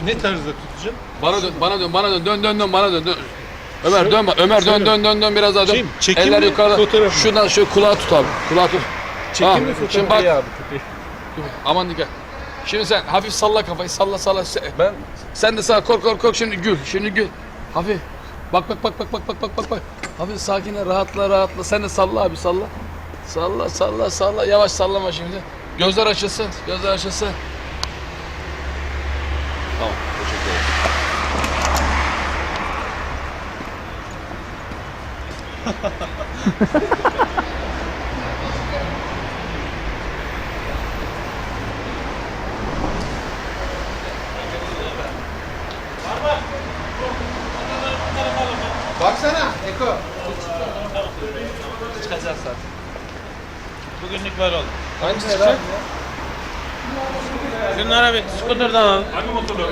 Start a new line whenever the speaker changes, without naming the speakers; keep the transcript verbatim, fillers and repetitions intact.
Ne tarzda tutacağım?
Bana dön, bana dön, bana dön, dön, dön, dön, bana dön, dön. Ömer dön, bak, Ömer dön,
şöyle.
dön, dön, dön biraz daha dön.
Şey mi, çekim
Eller
mi,
yukarıda.
fotoğraf mı?
Şuradan şöyle kulağı tut abi, kulağı tut.
Çekim
Ha,
mi, fotoğraf
şimdi
mı?
bak.
Köpeği abi köpeği.
Aman dikkat. Şimdi sen hafif salla kafayı, salla, salla. Se-
Ben
Sen de sağ kork, kork, kork. Şimdi gül, şimdi gül. Hafif. Bak, bak, bak, bak, bak, bak, bak, bak, bak. Hafif sakin, rahatla, rahatla. Sen de salla abi, salla. Salla, salla, salla. Yavaş sallama şimdi. Gözler açılsın, gözler açılsın. Tamam, teşekkür ederim.
Baksana Eko.
çıkacağız zaten.
Bugünlük var oldu.
Hangisi çıkacak?
Şunlara bir skuterdan alalım.